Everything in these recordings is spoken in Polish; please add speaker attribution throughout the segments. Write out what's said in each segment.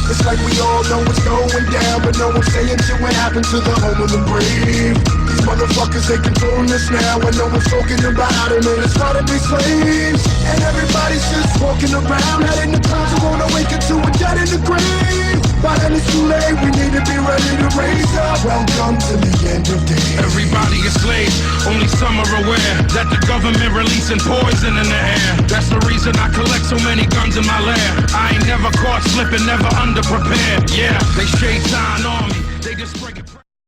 Speaker 1: It's like we all know what's going down, but no one's saying shit what happened to the home of the brave. These motherfuckers, they controlling us now, and no one's talking about it, man, it's hard to be slaves. And everybody's just walking around, out in the clouds, who won't awaken to a dead in the grave. By then it's too late, we need to be ready to raise up. Welcome to the end of days.
Speaker 2: Everybody is slaves, only some are aware that the government releasing poison in the air. That's the reason I collect so many guns in my lair. I ain't never caught slipping, never underprepared. Yeah, they shade sign on me, they just break it.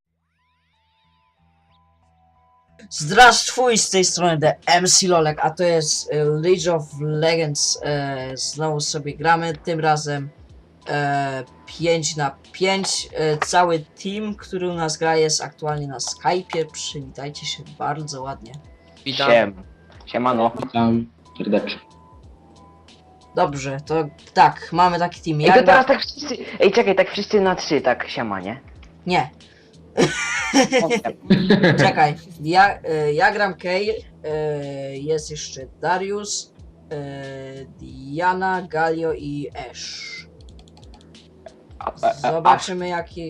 Speaker 3: Zdraszcz z tej strony The MC Lolek, a to jest League of Legends. Znowu sobie gramy, tym razem 5 na 5. Cały team, który u nas gra, jest aktualnie na Skype'ie. Przywitajcie się bardzo ładnie.
Speaker 4: Witam. Siemano.
Speaker 5: Witam serdecznie.
Speaker 3: Dobrze, to tak, mamy taki team.
Speaker 4: Ej,
Speaker 3: Ja
Speaker 4: to
Speaker 3: gra...
Speaker 4: teraz tak wszyscy... Ej, czekaj, tak wszyscy na 3, tak siema, nie?
Speaker 3: Nie, czekaj. Ja gram Kay, jest jeszcze Darius, Diana, Galio i Ash. Zobaczymy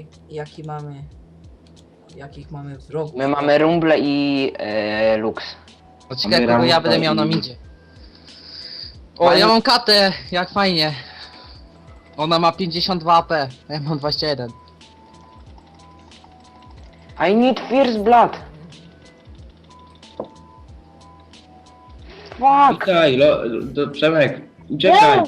Speaker 3: jakich mamy wrogów.
Speaker 4: My mamy Rumble i Lux.
Speaker 6: Ciekawe, kogo ja będę miał na midzie. O, ja mam katę, jak fajnie. Ona ma 52 AP, a ja mam 21.
Speaker 4: I need Fierce Blood. Fuck!
Speaker 5: Uciekaj, Przemek, uciekaj.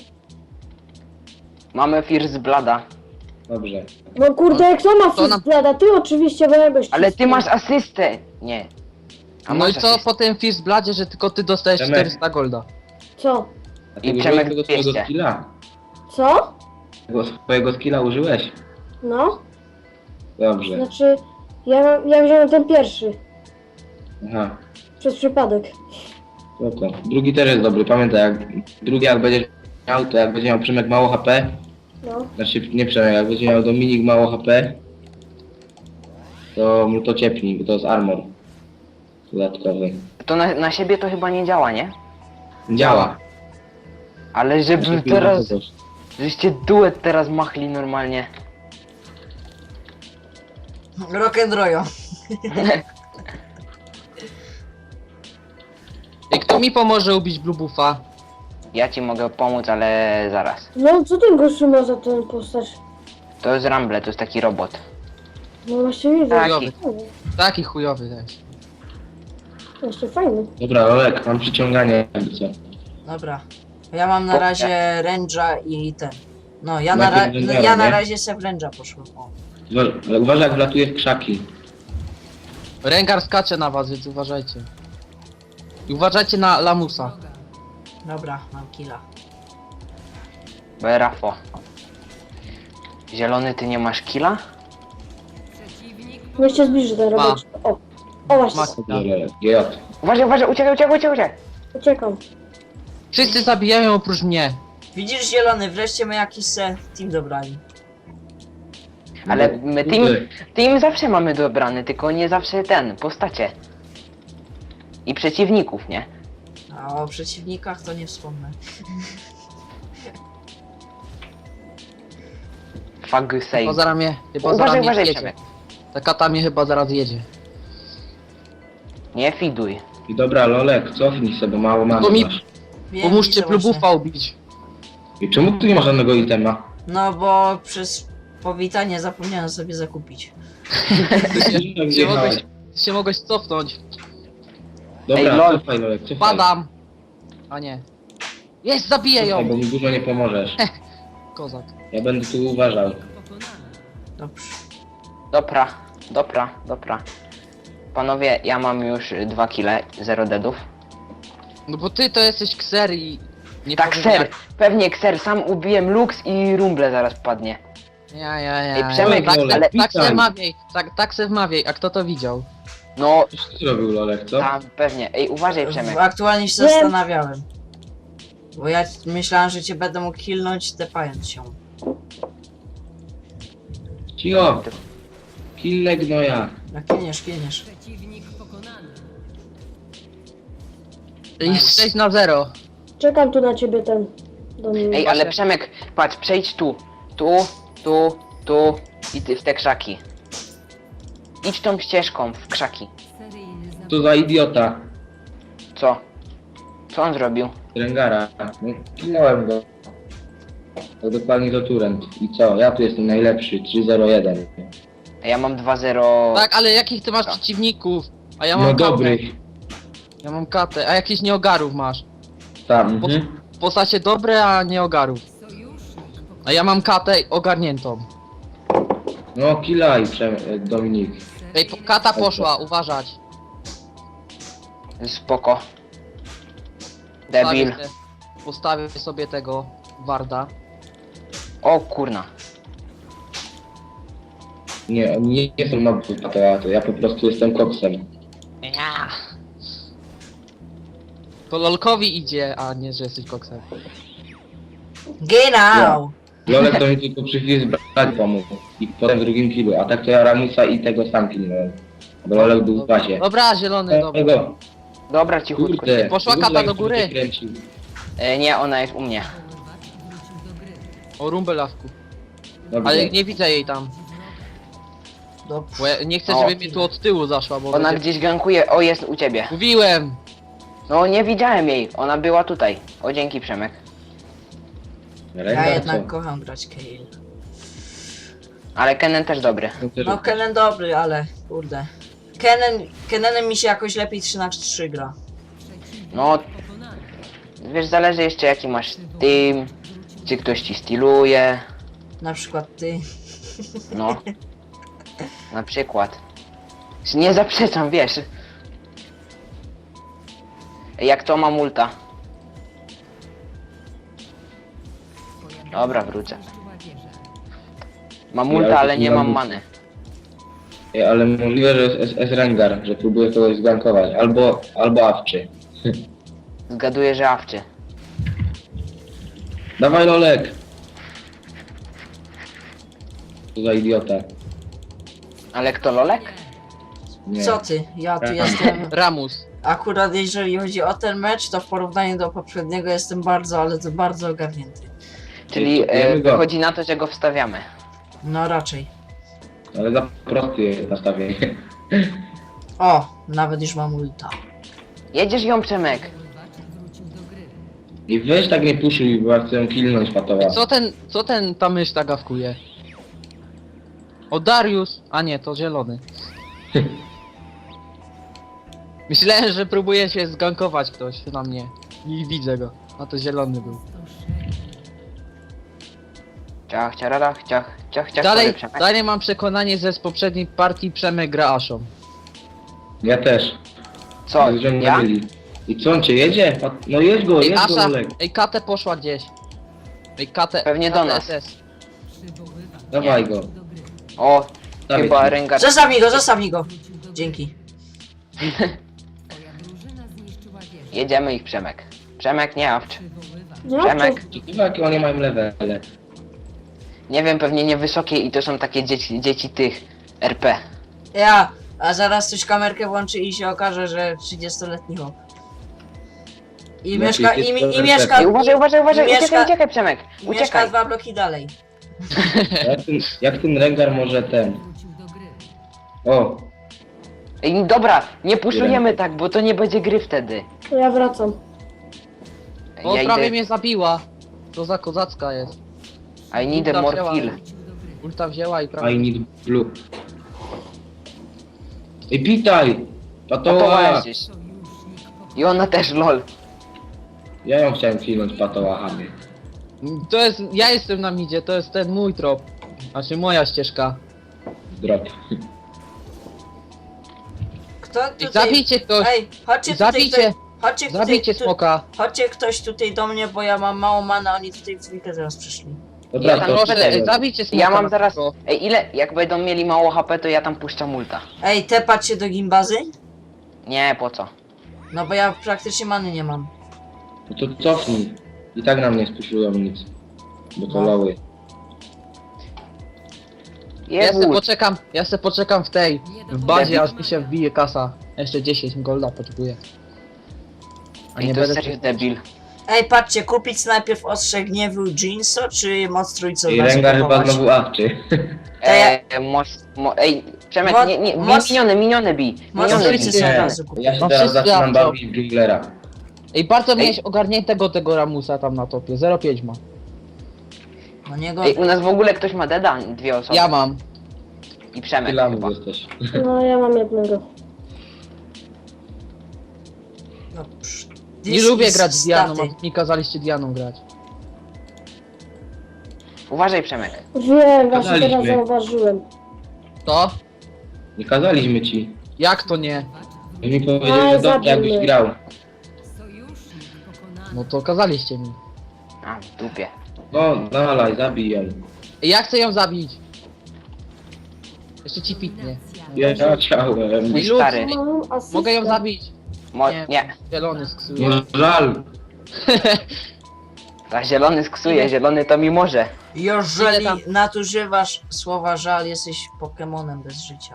Speaker 4: Mamy Fierce Blooda.
Speaker 5: Dobrze.
Speaker 7: No kurde, jak to ma
Speaker 6: To nam-
Speaker 7: Fizblada? Ty oczywiście, bo ja goś
Speaker 4: Ale ty masz asystę! Nie. A
Speaker 6: No i
Speaker 4: masz
Speaker 6: co
Speaker 4: asystę.
Speaker 6: po tym Fist Bladzie, że tylko ty dostajesz
Speaker 5: Przemek.
Speaker 6: 400 golda.
Speaker 7: Co?
Speaker 5: A
Speaker 4: I
Speaker 5: ty
Speaker 4: Przemek
Speaker 5: użyłeś tego swojego
Speaker 4: 200.
Speaker 5: skilla?
Speaker 7: Co?
Speaker 5: Tego swojego skilla użyłeś?
Speaker 7: No?
Speaker 5: Dobrze.
Speaker 7: Znaczy, ja wziąłem ten pierwszy.
Speaker 5: Aha,
Speaker 7: Przez przypadek.
Speaker 5: spoko. Drugi też jest dobry, pamiętaj, jak będziesz miał, to jak będzie miał Przemek mało HP,
Speaker 7: No.
Speaker 5: znaczy nie Przemek, jak będzie miał Dominik mało HP, to mu to ciepnij, bo to jest armor dodatkowy.
Speaker 4: To na siebie to chyba nie działa, nie?
Speaker 5: Działa.
Speaker 4: Ale żeby
Speaker 5: Znaczy,
Speaker 4: teraz...
Speaker 5: kogoś.
Speaker 4: Żeście duet teraz machli normalnie.
Speaker 3: Rock'n'Royo.
Speaker 6: I kto mi pomoże ubić Blue Buffa?
Speaker 4: Ja ci mogę pomóc, ale zaraz.
Speaker 7: No, co ten gościu ma za ten postać?
Speaker 4: To jest Rumble, to jest taki robot.
Speaker 7: No właśnie widzę.
Speaker 4: Tak.
Speaker 6: Chujowy. Taki chujowy też.
Speaker 7: Jeszcze fajny.
Speaker 5: Dobra, Olek, mam przyciąganie, jakby co.
Speaker 3: Dobra. Ja mam na razie Range'a i ten. No, ja na
Speaker 5: Najpierw Rangera, nie?
Speaker 3: razie se w Range'a poszłem. O.
Speaker 5: Ale uważaj, jak wlatuje w krzaki.
Speaker 6: Rengar skacze na was, więc uważajcie. I uważajcie na Lamusa.
Speaker 3: Dobra, mam killa.
Speaker 4: Berafo. Zielony, ty nie masz killa?
Speaker 7: Niech się zbliży ten
Speaker 6: Ma.
Speaker 7: robot. O. O właśnie.
Speaker 6: Maksa.
Speaker 5: GJ.
Speaker 4: Uważaj, uważaj, uciekaj!
Speaker 7: Uciekam.
Speaker 6: Wszyscy zabijają oprócz mnie.
Speaker 3: Widzisz, zielony, wreszcie my jakiś se team dobrali.
Speaker 4: Ale my team zawsze mamy dobrany, tylko nie zawsze postacie. I przeciwników, nie?
Speaker 3: A o przeciwnikach to nie wspomnę.
Speaker 4: Fuck
Speaker 6: Chyba
Speaker 4: save.
Speaker 6: zaraz mnie, chyba
Speaker 4: Uważaj,
Speaker 6: zaraz mnie
Speaker 4: uważaj,
Speaker 6: jedzie.
Speaker 4: Przemek.
Speaker 6: Ta kata mnie chyba zaraz jedzie.
Speaker 4: Nie fiduj.
Speaker 5: I dobra, Lolek, cofnij sobie, mało mamy
Speaker 6: To mi-
Speaker 5: masz.
Speaker 3: Wiem,
Speaker 6: Pomóżcie
Speaker 3: widzę
Speaker 6: Blue
Speaker 3: właśnie.
Speaker 6: Buffa ubić.
Speaker 5: I czemu tu nie ma żadnego itema?
Speaker 3: No bo przez powitanie zapomniałem sobie zakupić.
Speaker 6: Się mogłeś cofnąć.
Speaker 5: Dobra,
Speaker 4: Ej, lol.
Speaker 5: cofaj, Lolek, cofaj.
Speaker 6: Padam. A nie. Jest, zabiję
Speaker 5: Cofaj,
Speaker 6: ją.
Speaker 5: bo mi dużo nie pomożesz.
Speaker 6: Kozak.
Speaker 5: Ja będę tu uważał.
Speaker 3: Dobrze.
Speaker 4: Dobra. Panowie, ja mam już 2 kile, 0 deadów.
Speaker 6: No bo ty to jesteś kser i... Nie
Speaker 4: Tak,
Speaker 6: powiem
Speaker 4: ser,
Speaker 6: jak-
Speaker 4: pewnie kser, sam ubiłem Lux i Rumble zaraz padnie.
Speaker 6: Ja.
Speaker 4: Ej, Przemek,
Speaker 6: Tak,
Speaker 5: ale
Speaker 6: tak se
Speaker 5: witaj.
Speaker 6: wmawiaj, tak se wmawiaj, a kto to widział?
Speaker 4: No,
Speaker 5: Coś ty zrobił, Lolek, co?
Speaker 4: tam pewnie. Ej, uważaj Przemek.
Speaker 3: Aktualnie się
Speaker 7: Wiem.
Speaker 3: zastanawiałem. Bo ja myślałem, że cię będę mógł killnąć tepając się.
Speaker 5: Cicho! Kille gnoja.
Speaker 3: Jak kieniesz.
Speaker 6: Jest 6-0.
Speaker 7: Czekam tu na ciebie ten. Do mnie.
Speaker 4: Ej, ale Przemek, patrz, przejdź tu. Tu Tu i ty w te krzaki. Idź tą ścieżką w krzaki.
Speaker 5: Co za idiota.
Speaker 4: Co? Co on zrobił?
Speaker 5: Rengara. No, kinąłem go. To dokładnie do Turent. I co? Ja tu jestem najlepszy. 3-0-1.
Speaker 4: Ja mam 2-0.
Speaker 6: Tak, ale jakich ty masz przeciwników? A ja mam
Speaker 5: No
Speaker 6: katę.
Speaker 5: dobry.
Speaker 6: Ja mam katę. A jakichś nieogarów masz?
Speaker 5: Tam.
Speaker 6: Po, postacie dobre, a nieogarów. A ja mam katę ogarniętą.
Speaker 5: No kilaj, Dominik.
Speaker 6: Ej, kata poszła, uważać.
Speaker 4: Spoko. Debil.
Speaker 6: Postawię sobie tego warda.
Speaker 4: O kurna.
Speaker 5: Nie jestem na to, ja po prostu jestem koksem.
Speaker 6: Ja. To lolkowi idzie, a nie, że jesteś koksem.
Speaker 3: Genau!
Speaker 5: Lolek to mi tylko przy chwili zbrać pomógł. I potem w drugim killu, a tak to ja Ramusa i tego sam kilnąłem. Bo Lolek był w bazie.
Speaker 6: Dobra, zielony, dobra.
Speaker 5: Tego,
Speaker 4: Dobra, cichutko.
Speaker 5: kurde.
Speaker 6: Poszła
Speaker 5: Lolek
Speaker 6: kata do
Speaker 5: sobie
Speaker 6: góry.
Speaker 5: kręcił.
Speaker 4: Nie, ona jest u mnie.
Speaker 6: O rumbelawku.
Speaker 5: Dobrze.
Speaker 6: Ale nie widzę jej tam.
Speaker 3: Dobrze.
Speaker 6: Bo ja nie chcę,
Speaker 4: O.
Speaker 6: żeby mi tu od tyłu zaszła, bo
Speaker 4: Ona
Speaker 6: będzie...
Speaker 4: gdzieś gankuje. O, jest u ciebie.
Speaker 6: Mówiłem!
Speaker 4: No, nie widziałem jej. Ona była tutaj. O, dzięki Przemek.
Speaker 3: Ja
Speaker 5: Rengar,
Speaker 3: jednak
Speaker 5: co?
Speaker 3: kocham grać Kayle.
Speaker 4: Ale Kennen też dobry.
Speaker 3: No Kennen dobry, ale kurde. Kennenem mi się jakoś lepiej 3 na 3 gra.
Speaker 4: No, wiesz, zależy jeszcze jaki masz team. Czy ktoś ci styluje.
Speaker 3: Na przykład ty.
Speaker 4: No. Na przykład. Nie zaprzeczam, wiesz. Jak to mam ulta. Dobra, wrócę. Mam ulta, ale nie mam many.
Speaker 5: Ej, ale możliwe, że jest Rengar, że próbuje kogoś zgankować. Albo Awczy.
Speaker 4: Zgaduję, że awczy.
Speaker 5: Dawaj Lolek! Co za idiota.
Speaker 4: Ale kto, Lolek?
Speaker 5: Nie.
Speaker 3: Co ty? Ja tu jestem.
Speaker 6: Ramus.
Speaker 3: Akurat jeżeli chodzi o ten mecz, to w porównaniu do poprzedniego jestem bardzo, ale to bardzo ogarnięty.
Speaker 4: Czyli
Speaker 5: Kupujemy go.
Speaker 4: wychodzi na to, że go wstawiamy.
Speaker 3: No raczej.
Speaker 5: Ale za prosty jest nastawienie.
Speaker 3: O, nawet już mam ulta.
Speaker 4: Jedziesz ją, Przemek.
Speaker 5: I weź tak nie puszuj, bo ja chcę ją killnąć patowa.
Speaker 6: Co ten ta mysz ta gawkuje? O Darius! A nie, to zielony. Myślałem, że próbuje się zgankować ktoś na mnie. I widzę go. A to zielony był.
Speaker 4: Ciach, ciararach, ciach, sorry,
Speaker 6: Dalej,
Speaker 4: Przemek.
Speaker 6: dalej mam przekonanie, że z poprzedniej partii Przemek gra Aszą.
Speaker 5: Ja też.
Speaker 4: Co,
Speaker 5: Że mnie
Speaker 4: ja?
Speaker 5: myli. I co, on cię jedzie? No jedź go,
Speaker 6: Ej,
Speaker 5: jedź go
Speaker 6: Asza!
Speaker 5: Lolek.
Speaker 6: Ej, Katę poszła gdzieś. Ej, Katę...
Speaker 4: Pewnie do
Speaker 6: Katę
Speaker 4: nas.
Speaker 6: SS.
Speaker 5: Dawaj go.
Speaker 4: O,
Speaker 5: Dawaj
Speaker 4: chyba
Speaker 5: ci.
Speaker 4: Rengar.
Speaker 3: Zostaw mi go! Dzięki.
Speaker 4: Jedziemy ich, Przemek. Przemek, nie awcz.
Speaker 7: No,
Speaker 4: Przemek.
Speaker 5: Ciekawe jakie oni mają levele.
Speaker 4: Nie wiem, pewnie niewysokie i to są takie dzieci tych RP.
Speaker 3: A zaraz ktoś kamerkę włączy i się okaże, że 30-letni chłop. I
Speaker 5: No,
Speaker 3: mieszka,
Speaker 5: czyli
Speaker 3: i,
Speaker 5: to
Speaker 3: i
Speaker 5: jest
Speaker 3: mieszka,
Speaker 4: Ej, uważaj,
Speaker 3: mieszka-
Speaker 4: uciekaj, Przemek.
Speaker 3: i mieszka
Speaker 4: Uciekaj.
Speaker 3: 2 bloki dalej.
Speaker 5: Jak ten Rengar może ten... O,
Speaker 4: Ej, dobra, nie puszujemy tak, bo to nie będzie gry wtedy.
Speaker 7: to ja wracam.
Speaker 6: O,
Speaker 4: Ja
Speaker 6: prawie
Speaker 4: idę.
Speaker 6: mnie zabiła. To za kozacka jest.
Speaker 4: I need
Speaker 6: Ulta
Speaker 4: more
Speaker 6: wzięła.
Speaker 4: kill.
Speaker 6: Ulta wzięła i prawie...
Speaker 5: I need blue. Ej, pitaj!
Speaker 4: To
Speaker 5: Patoła!
Speaker 4: gdzieś. I ona też, lol.
Speaker 5: Ja ją chciałem killnąć patołachami.
Speaker 6: To jest... Ja jestem na midzie, to jest ten mój trop. Znaczy moja ścieżka.
Speaker 5: Drop.
Speaker 3: Kto
Speaker 6: Ej,
Speaker 3: tutaj...
Speaker 6: zabijcie ktoś!
Speaker 3: Ej, chodźcie tutaj,
Speaker 6: Zabijcie!
Speaker 3: chodźcie tutaj,
Speaker 6: Zabijcie smoka!
Speaker 3: chodźcie ktoś tutaj do mnie, bo ja mam mało mana, oni tutaj w dwójkę zaraz przyszli.
Speaker 5: Dobra,
Speaker 4: Ja tam
Speaker 5: to
Speaker 4: może-
Speaker 6: Zabijcie smoka!
Speaker 4: Ja mam
Speaker 6: na
Speaker 4: zaraz...
Speaker 6: szybko.
Speaker 4: Ej, ile? Jak będą mieli mało HP, to ja tam puszczam ulta.
Speaker 3: Ej, tepać się do gimbazy?
Speaker 4: Nie, po co?
Speaker 3: No bo ja praktycznie many nie mam.
Speaker 5: No to cofnij. I tak nam nie spuszują nic. Bo to
Speaker 3: No.
Speaker 5: loły.
Speaker 6: Ja se poczekam w tej, w bazie, aż mi się wbije kasa. Jeszcze 10 golda potrzebuję. A
Speaker 4: Ej,
Speaker 6: nie
Speaker 4: to jest
Speaker 6: będę...
Speaker 4: serio debil.
Speaker 3: Ej, patrzcie, kupić najpierw ostrze gniewu Jinso, czy moc trójcą
Speaker 5: I Rengar chyba
Speaker 3: kupować?
Speaker 5: znowu awczy.
Speaker 4: Ej, Przemek,
Speaker 3: Mo-
Speaker 4: nie,
Speaker 3: moc-
Speaker 4: miniony bij.
Speaker 3: moc
Speaker 4: Miniony
Speaker 3: trójcy
Speaker 4: bij.
Speaker 3: są od
Speaker 5: Nie,
Speaker 3: razu kupić.
Speaker 5: ja się
Speaker 6: No
Speaker 5: teraz
Speaker 6: wszyscy
Speaker 5: zaczynam
Speaker 6: awczą.
Speaker 5: bawić w junglera.
Speaker 6: Ej, bardzo miałeś ogarniętego tego Ramusa tam na topie. 0,5 ma.
Speaker 3: No nie
Speaker 4: Ej,
Speaker 3: gorzej.
Speaker 4: u nas w ogóle ktoś ma deda? 2 osoby.
Speaker 6: Ja mam.
Speaker 4: I Przemek
Speaker 5: Tyle
Speaker 4: chyba.
Speaker 5: jesteś.
Speaker 7: No ja mam jednego.
Speaker 3: No, psz,
Speaker 6: Nie
Speaker 3: this
Speaker 6: lubię
Speaker 3: is
Speaker 6: grać z Dianą,
Speaker 3: staty.
Speaker 6: a mi kazaliście Dianą grać.
Speaker 4: Uważaj, Przemek.
Speaker 7: Wiem, właśnie
Speaker 5: Gadaliśmy.
Speaker 7: teraz zauważyłem.
Speaker 6: To?
Speaker 5: Nie kazaliśmy ci.
Speaker 6: Jak to nie?
Speaker 5: Mi powiedział,
Speaker 7: Aj,
Speaker 5: że dobrze
Speaker 7: zabił
Speaker 5: jakbyś
Speaker 7: mnie.
Speaker 5: grał.
Speaker 6: No to kazaliście mi.
Speaker 4: A, w dupie.
Speaker 5: No, dalej, zabij ją.
Speaker 6: Ej, ja chcę ją zabić. Jeszcze ci pitnie.
Speaker 5: Ja chciałem.
Speaker 4: Mój
Speaker 6: Lud.
Speaker 4: stary.
Speaker 7: Mam asystę.
Speaker 6: Mogę ją zabić.
Speaker 4: Nie.
Speaker 6: Zielony sksuje.
Speaker 5: No żal.
Speaker 4: A zielony sksuje, zielony to mi może.
Speaker 3: Jeżeli
Speaker 6: Ile tam?
Speaker 3: nadużywasz słowa żal, jesteś Pokemonem bez życia.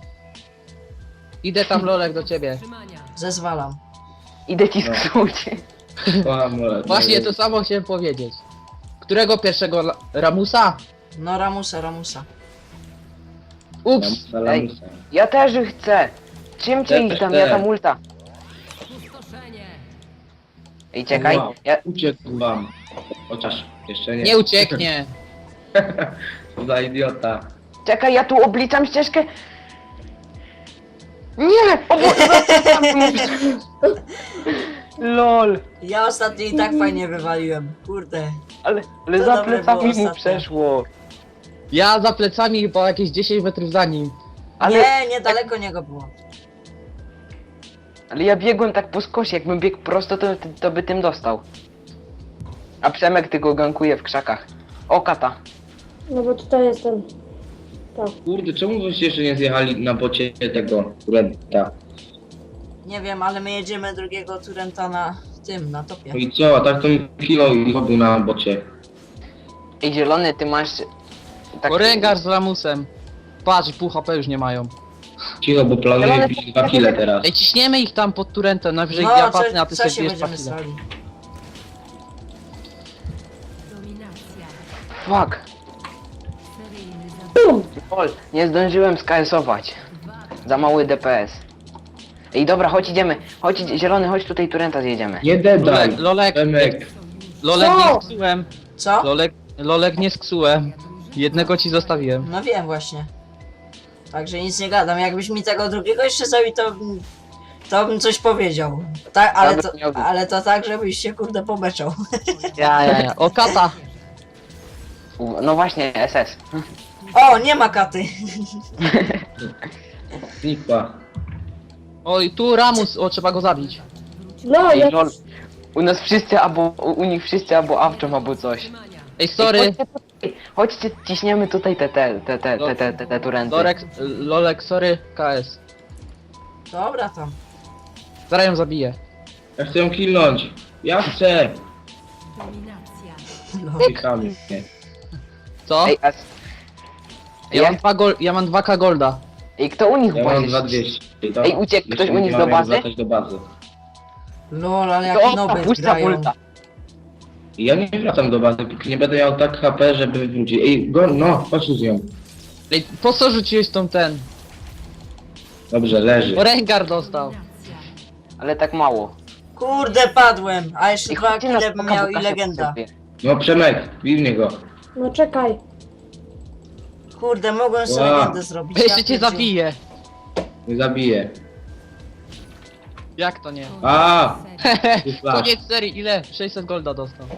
Speaker 6: Idę tam Lolek do ciebie.
Speaker 3: Zezwalam.
Speaker 4: Idę ci
Speaker 5: No.
Speaker 4: sksuć.
Speaker 5: Kocham, ale-
Speaker 6: Właśnie to samo chciałem powiedzieć. Którego pierwszego Ramusa?
Speaker 3: No Ramusa.
Speaker 6: Ups!
Speaker 5: Lamusa.
Speaker 4: Ja też chcę. Czym cię
Speaker 5: Ja
Speaker 4: ich tam,
Speaker 5: też.
Speaker 4: ja tam ulta. Ej, czekaj.
Speaker 5: Wow.
Speaker 4: Ja,
Speaker 5: Uciekł wam. Chociaż jeszcze nie.
Speaker 6: Nie ucieknie.
Speaker 5: Co za idiota.
Speaker 4: czekaj, ja tu obliczam ścieżkę. Nie! LOL.
Speaker 3: Ja ostatnio i tak fajnie wywaliłem. Kurde.
Speaker 4: Ale
Speaker 3: To
Speaker 4: za
Speaker 3: dobre
Speaker 4: plecami
Speaker 3: było
Speaker 4: mu
Speaker 3: ostatnio.
Speaker 4: przeszło.
Speaker 6: Ja za plecami chyba jakieś 10 metrów za nim.
Speaker 4: Ale,
Speaker 3: Nie, niedaleko niego było.
Speaker 4: ale ja biegłem tak po skosie, jakbym biegł prosto, to by tym dostał. A Przemek tylko gankuje w krzakach. O, kata.
Speaker 7: No bo tutaj jestem. Tak.
Speaker 5: Kurde, czemu wyście jeszcze nie zjechali na bocie tego Renta?
Speaker 3: Nie wiem, ale my jedziemy drugiego Turenta na tym, na topie.
Speaker 5: No i co, a tak to mi kilo i robił na bocie.
Speaker 4: Ej, zielony, ty masz... Tak,
Speaker 6: O, Rengar z Ramusem. Patrz, pół HP już nie mają.
Speaker 5: Cicho, bo planuję bić 2 kile teraz.
Speaker 6: Ej, ciśniemy ich tam pod Turentem, najwyżej
Speaker 3: No,
Speaker 6: ja patrzę, a ty
Speaker 3: co
Speaker 6: sobie
Speaker 3: się
Speaker 6: bierz
Speaker 3: będziemy
Speaker 6: pakile.
Speaker 3: stali?
Speaker 4: Fuck. Lol, nie zdążyłem skalesować. Za mały DPS. Ej, dobra, chodź idziemy. Chodź, zielony, chodź tutaj Turenta zjedziemy.
Speaker 5: Nie dedaj!
Speaker 6: Lolek,
Speaker 5: Remek.
Speaker 6: Lolek
Speaker 7: Co?
Speaker 6: nie sksułem.
Speaker 3: Co?
Speaker 6: Lolek nie sksułem. Jednego ci zostawiłem.
Speaker 3: No wiem właśnie. Także nic nie gadam. Jakbyś mi tego drugiego jeszcze zabił, to bym coś powiedział. Tak,
Speaker 4: Dobra, miał być.
Speaker 3: ale to tak, żebyś się kurde pomeczał.
Speaker 6: Ja. O, kata.
Speaker 4: No właśnie, SS.
Speaker 3: O, nie ma katy.
Speaker 5: Znikła.
Speaker 6: Oj, tu Ramus, o, trzeba go zabić.
Speaker 7: No,
Speaker 4: Ej,
Speaker 7: ja...
Speaker 4: lol. U nas wszyscy albo, u nich wszyscy albo awczą, albo coś.
Speaker 6: Ej, sorry.
Speaker 4: Chodźcie, ciśniemy tutaj te Turenty.
Speaker 6: Lolek, sorry, KS.
Speaker 3: Dobra tam.
Speaker 6: Zaraz ją zabiję.
Speaker 5: Ja chcę ją killnąć. Ja chcę. Klikamy.
Speaker 6: Co?
Speaker 4: Ej,
Speaker 6: Ja mam 2K golda.
Speaker 4: ej, kto u nich
Speaker 5: Ja mam
Speaker 4: właśnie?
Speaker 5: 2200. To
Speaker 4: Ej, uciekł ktoś
Speaker 5: jeszcze
Speaker 4: u nich
Speaker 5: mamy
Speaker 4: do bazy?
Speaker 5: wracać do bazy.
Speaker 3: Lol, ale
Speaker 4: To
Speaker 3: jak
Speaker 4: on
Speaker 3: noby
Speaker 4: puszcza
Speaker 3: grają.
Speaker 4: ulta.
Speaker 5: I ja nie wracam do bazy, póki nie będę miał tak HP, żeby wrócić. Ej, go, no, chodź z nią.
Speaker 6: Ej, po co rzuciłeś tą ten?
Speaker 5: Dobrze, leży.
Speaker 6: O, Rengar dostał.
Speaker 4: Ale tak mało.
Speaker 3: Kurde, padłem. A jeszcze
Speaker 4: Ej,
Speaker 3: 2
Speaker 4: chodźcie na
Speaker 3: kile bym
Speaker 4: spoka,
Speaker 3: miał
Speaker 4: bo
Speaker 3: i
Speaker 4: Kasia
Speaker 3: legenda.
Speaker 4: potrzebuje.
Speaker 5: No Przemek, bijmy go.
Speaker 7: No czekaj.
Speaker 3: Kurde, mogłem sobie
Speaker 5: Ła.
Speaker 3: legendę zrobić.
Speaker 6: Jeszcze
Speaker 3: Ja
Speaker 6: cię
Speaker 3: pierdzielę.
Speaker 6: zabiję.
Speaker 5: Nie zabiję.
Speaker 6: Jak to nie?
Speaker 5: A!
Speaker 6: Koniec serii, ile? 600 golda dostał.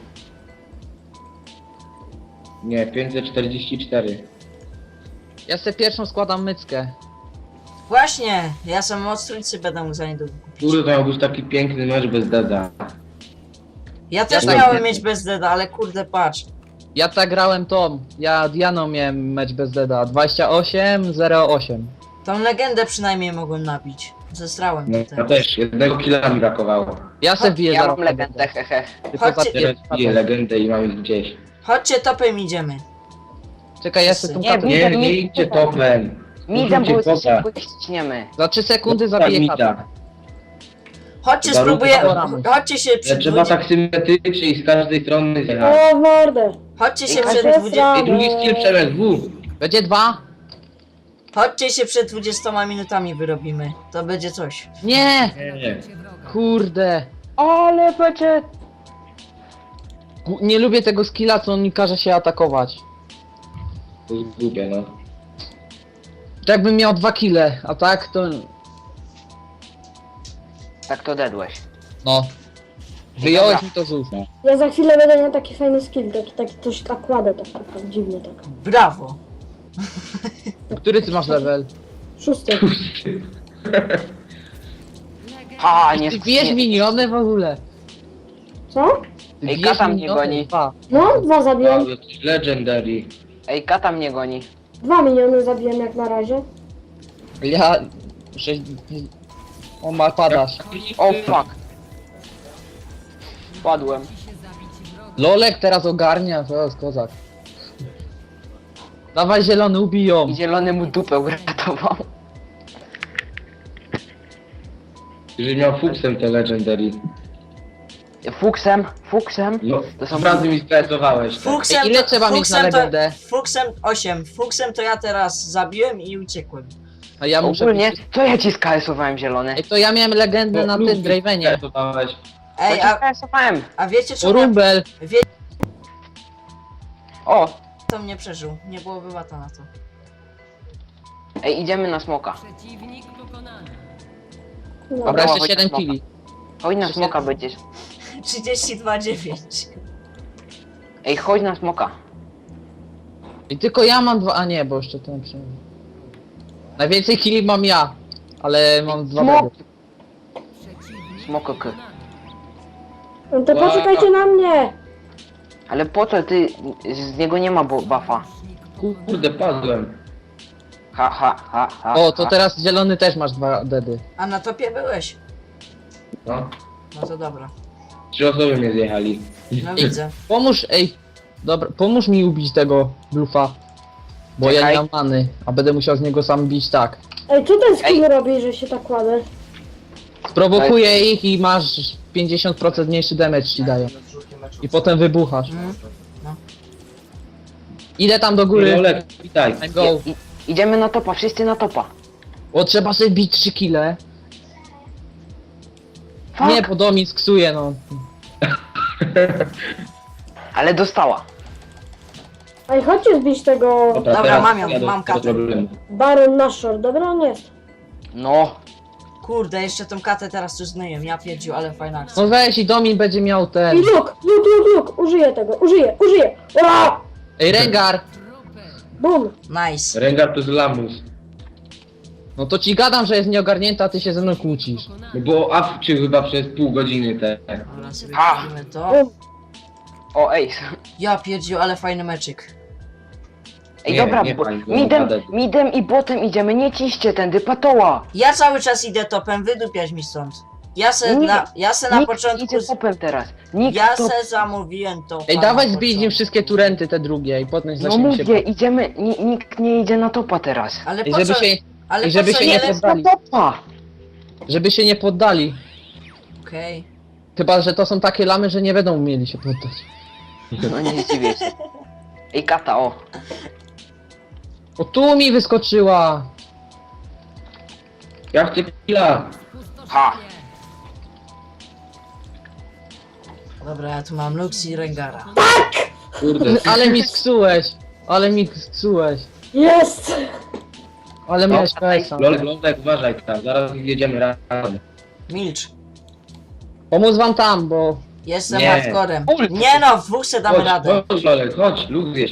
Speaker 5: Nie, 544.
Speaker 6: Ja sobie pierwszą składam myckę.
Speaker 3: Właśnie, ja sam moc trójcy będę mógł za niedługo kupić.
Speaker 5: Kurde, to miał być taki piękny mecz bez deda.
Speaker 3: Ja też
Speaker 6: tak
Speaker 3: miałem
Speaker 5: nie-
Speaker 3: mieć bez deda, ale kurde, patrz.
Speaker 6: Ja tak grałem Tom. Ja Dianą miałem mecz bez deda. 28-08.
Speaker 3: Tą legendę przynajmniej mogłem nabić. Zestrałem
Speaker 5: No,
Speaker 3: tutaj.
Speaker 5: ja też, jednego killa mi brakowało.
Speaker 6: Ja se wbiję
Speaker 4: Ja
Speaker 6: zaraz
Speaker 4: mam legendę, hehe.
Speaker 6: Tylko
Speaker 3: Chodźcie-
Speaker 6: za
Speaker 5: Teraz biję legendę i mam ich gdzieś.
Speaker 3: Chodźcie topem idziemy.
Speaker 6: Czekaj, ja se tą
Speaker 4: Nie,
Speaker 6: katę...
Speaker 5: Nie,
Speaker 4: mi-
Speaker 5: nie idźcie topem.
Speaker 4: Midem, bo
Speaker 5: Użyjcie popa.
Speaker 4: ciśniemy.
Speaker 6: Za 3 sekundy
Speaker 5: Popa
Speaker 6: zabiję
Speaker 5: mida.
Speaker 6: katę.
Speaker 3: Chodźcie,
Speaker 5: Warunki
Speaker 3: spróbuję.
Speaker 6: zaboramy.
Speaker 3: Chodźcie się
Speaker 5: Ale
Speaker 3: przed
Speaker 5: trzeba
Speaker 3: 20...
Speaker 5: tak symetrycznie i z każdej strony zjechać.
Speaker 7: O, w mordę.
Speaker 3: Chodźcie się
Speaker 4: Ej,
Speaker 3: przed
Speaker 7: Kasia,
Speaker 3: 20...
Speaker 5: I drugi skill Przemek, W.
Speaker 6: Będzie 2?
Speaker 3: Chodźcie się przed 20 minutami wyrobimy. To będzie coś.
Speaker 6: Nie!
Speaker 5: Nie.
Speaker 6: Kurde.
Speaker 4: Ale będzie...
Speaker 6: Nie lubię tego skilla, co on mi każe się atakować.
Speaker 5: To jest głupie, no.
Speaker 6: To jakbym miał 2 kile, a tak to...
Speaker 4: Tak to dedłeś.
Speaker 6: No. Wyjąłeś
Speaker 4: Dobra.
Speaker 6: mi to z ust.
Speaker 7: Ja za chwilę będę miał taki fajny skill, taki coś tak kładę, tak dziwnie tak.
Speaker 3: Brawo.
Speaker 6: Który ty masz level?
Speaker 7: 6.
Speaker 4: Ha, nie...
Speaker 6: Ty bijesz miniony w ogóle.
Speaker 7: Co?
Speaker 6: Ty
Speaker 4: Ej,
Speaker 6: bijesz
Speaker 4: kata mnie
Speaker 6: miniony,
Speaker 4: goni.
Speaker 6: 2.
Speaker 7: No, 2 zabiłem.
Speaker 5: Wow, jakiś legendary.
Speaker 4: Ej, kata mnie goni.
Speaker 7: 2 miniony zabiłem jak na razie.
Speaker 6: Ja... 6... O, ma padasz.
Speaker 4: O fuck. Padłem.
Speaker 6: Lolek teraz ogarnia, to jest kozak. Dawaj zielony, ubiją.
Speaker 4: I zielony mu dupę uratował.
Speaker 5: Jeżeli miał fuksem te legendary.
Speaker 4: Fuksem.
Speaker 5: No,
Speaker 4: To są-
Speaker 5: razy mi stresowałeś. Tak.
Speaker 3: Fuksem
Speaker 6: Ej, ile
Speaker 3: to,
Speaker 6: trzeba mieć na
Speaker 3: fuksem to,
Speaker 6: legendę?
Speaker 3: Fuksem 8. Fuksem to ja teraz zabiłem i uciekłem.
Speaker 6: A ja muszę...
Speaker 4: Ogólnie, co ja ci skasowałem zielony?
Speaker 6: Ej, to ja miałem legendę na tym Dravenie.
Speaker 5: Stresowałeś.
Speaker 3: Ej,
Speaker 4: Ja ci skasowałem.
Speaker 3: a wiecie
Speaker 6: O,
Speaker 3: czemu
Speaker 6: Rumbel.
Speaker 4: O,
Speaker 3: to mnie przeżył? Nie byłoby łata na to.
Speaker 4: ej, idziemy na smoka.
Speaker 7: No.
Speaker 6: Dobra, jeszcze
Speaker 4: chodź
Speaker 6: 7
Speaker 4: smoka.
Speaker 6: kili.
Speaker 4: Chodź na smoka będziesz.
Speaker 3: 32,9.
Speaker 4: Ej, chodź na smoka.
Speaker 6: I tylko ja mam 2, a nie, bo jeszcze ten przynajmniej. Najwięcej kili mam ja, ale mam 2
Speaker 4: Smok.
Speaker 6: bedy.
Speaker 4: Smokok.
Speaker 7: No to poczekajcie na mnie.
Speaker 4: Ale po co ty, z niego nie ma buffa.
Speaker 5: Kurde, padłem.
Speaker 4: Ha.
Speaker 6: O, to teraz zielony też masz 2 dedy.
Speaker 3: A na topie byłeś?
Speaker 5: No.
Speaker 3: No to dobra.
Speaker 5: 3 osoby mnie zjechali.
Speaker 3: No widzę.
Speaker 6: Pomóż, ej, dobra, pomóż mi ubić tego blufa. Bo ja
Speaker 4: Czekaj.
Speaker 6: nie mam many, a będę musiał z niego sam bić tak.
Speaker 7: Ej, co ten skill robi, że się tak kładę?
Speaker 6: Sprowokuję ich i masz 50% mniejszy damage ci dają. I potem wybuchasz.
Speaker 3: Mm.
Speaker 6: Idę tam do góry.
Speaker 5: Olek, witaj.
Speaker 6: I go.
Speaker 4: Idziemy na topa, wszyscy na topa.
Speaker 6: O, trzeba sobie bić 3 kile.
Speaker 4: Fuck.
Speaker 6: Nie, bo Domin sksuje, no.
Speaker 4: Ale dostała.
Speaker 7: Ej, chodźcie zbić tego
Speaker 3: Dobra,
Speaker 5: teraz
Speaker 3: mam ją,
Speaker 5: jadę
Speaker 3: mam
Speaker 5: do
Speaker 3: katę.
Speaker 5: problemu.
Speaker 7: Baron Nashor. Dobra, on jest.
Speaker 4: No.
Speaker 3: Kurde, jeszcze tą katę teraz tu zmyję. Ja pierdziu, ale fajna akcja.
Speaker 6: No weź i Domin będzie miał ten.
Speaker 7: I Luke. Użyję tego. Użyję. Ura!
Speaker 6: Ej, Rengar!
Speaker 7: Bum.
Speaker 3: Nice.
Speaker 5: Rengar to jest lamus.
Speaker 6: No to ci gadam, że jest nieogarnięta, a ty się ze mną kłócisz.
Speaker 5: No bo awczył chyba przez pół godziny te.
Speaker 3: Dobra, sobie
Speaker 4: A.
Speaker 3: kupimy to.
Speaker 7: Bum.
Speaker 4: O, ej.
Speaker 3: Ja pierdziu, ale fajny meczyk.
Speaker 4: Ej,
Speaker 5: Nie,
Speaker 4: dobra,
Speaker 5: nie fajnie,
Speaker 4: midem,
Speaker 5: nie
Speaker 4: midem i botem idziemy, nie ciście tędy, patoła.
Speaker 3: Ja cały czas idę topem, wydupiać mi stąd. Ja se
Speaker 4: Nie,
Speaker 3: na
Speaker 4: Nikt
Speaker 3: początku...
Speaker 4: idzie topem teraz. Nikt
Speaker 3: Ja
Speaker 4: top...
Speaker 3: se zamówiłem to.
Speaker 6: Ej, dawaj zbij im wszystkie turenty, te drugie i potem
Speaker 4: No
Speaker 6: zaczniemy się...
Speaker 4: mówię, idziemy, nikt nie idzie na topa teraz.
Speaker 3: Ale
Speaker 6: I
Speaker 3: po
Speaker 6: żeby
Speaker 3: co?
Speaker 6: się,
Speaker 3: Ale
Speaker 6: i
Speaker 3: po
Speaker 6: żeby
Speaker 3: co
Speaker 6: się
Speaker 3: nie
Speaker 6: nie
Speaker 3: lecę?
Speaker 6: poddali.
Speaker 4: Na topa!
Speaker 6: Żeby się nie poddali.
Speaker 3: Okej.
Speaker 6: Chyba, że to są takie lamy, że nie będą umieli się poddać.
Speaker 4: No nie zdziwię się. Ej, kata, o.
Speaker 6: O, tu mi wyskoczyła!
Speaker 5: Ja chcę killa.
Speaker 4: Ha!
Speaker 3: Dobra, ja tu mam Lux i Rengara.
Speaker 5: Kurde.
Speaker 6: Ale mi sksułeś! Ale mi sksułeś!
Speaker 7: Jest!
Speaker 6: Ale
Speaker 5: No,
Speaker 6: miałeś PS-a.
Speaker 5: Lolek, uważaj tam, zaraz jedziemy razem.
Speaker 3: Milcz.
Speaker 6: Pomóc wam tam, bo...
Speaker 3: Jestem
Speaker 5: Nie.
Speaker 3: hardcorem. Nie no, w dwóch se damy radę.
Speaker 5: Chodź Lolek, chodź, luk zjeść.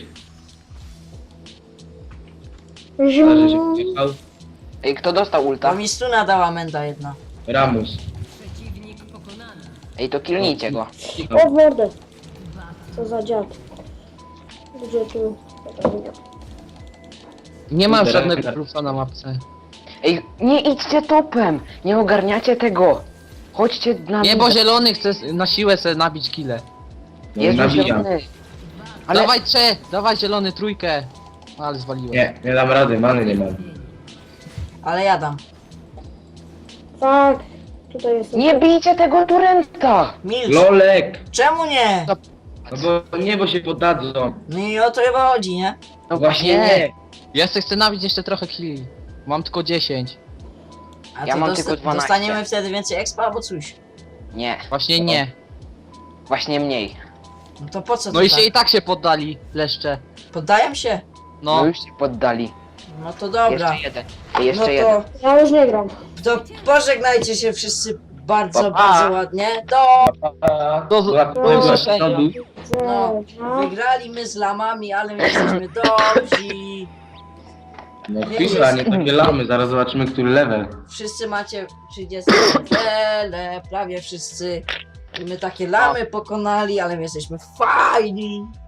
Speaker 5: Zależy się
Speaker 7: Zium.
Speaker 5: wjechał.
Speaker 4: Ej, kto dostał
Speaker 3: To
Speaker 4: ulta?
Speaker 3: mi stuna dała menda jedna.
Speaker 5: Ramus.
Speaker 4: Ej, to killnijcie go.
Speaker 7: O, w mordę. Co za dziad. Gdzie tu?
Speaker 6: Nie mam
Speaker 5: Kurde,
Speaker 6: żadnego
Speaker 5: Rengar.
Speaker 6: plusa na mapce.
Speaker 4: Ej, nie idźcie topem! Nie ogarniacie tego! Chodźcie na
Speaker 6: Nie, bo zielony chce na siłę sobie nabić kile.
Speaker 5: No,
Speaker 4: Jezu,
Speaker 5: nabijam.
Speaker 4: zielony. Ale
Speaker 6: Dawaj dawaj zielony trójkę. Ale zwaliłem.
Speaker 5: Nie dam rady, many nie mam.
Speaker 3: Ale ja dam.
Speaker 7: Tak. Tutaj jest.
Speaker 4: Nie bijcie tego turenta!
Speaker 3: Milcz!
Speaker 5: Lolek!
Speaker 3: Czemu nie?
Speaker 5: No bo nie, bo się poddadzą.
Speaker 3: No i o to chyba chodzi, nie?
Speaker 4: No
Speaker 5: Właśnie nie.
Speaker 6: Ja chcę nabić jeszcze trochę killi. Mam tylko 10.
Speaker 3: A
Speaker 4: Ja
Speaker 3: to
Speaker 4: mam tylko 12.
Speaker 3: dostaniemy wtedy więcej expa albo coś.
Speaker 4: Nie,
Speaker 6: Właśnie nie.
Speaker 4: właśnie mniej.
Speaker 3: No to po co
Speaker 6: No
Speaker 3: to
Speaker 6: i się
Speaker 3: tak?
Speaker 6: i tak się poddali, leszcze.
Speaker 3: Poddaję się?
Speaker 4: No
Speaker 6: No,
Speaker 4: już się poddali.
Speaker 3: No to dobra.
Speaker 4: Jeszcze jeden. Jeszcze
Speaker 3: No
Speaker 4: jeden.
Speaker 3: to,
Speaker 7: Ja już nie gram.
Speaker 3: to pożegnajcie się wszyscy bardzo,
Speaker 4: Pa, pa.
Speaker 3: bardzo ładnie.
Speaker 6: do usłyszenia.
Speaker 3: No,
Speaker 7: No.
Speaker 3: wygrali my z lamami, ale my jesteśmy dobrzy.
Speaker 5: No chwila, nie takie lamy, zaraz zobaczymy, który level.
Speaker 3: Wszyscy macie 30 levele, prawie wszyscy. I my takie lamy pokonali, ale my jesteśmy fajni.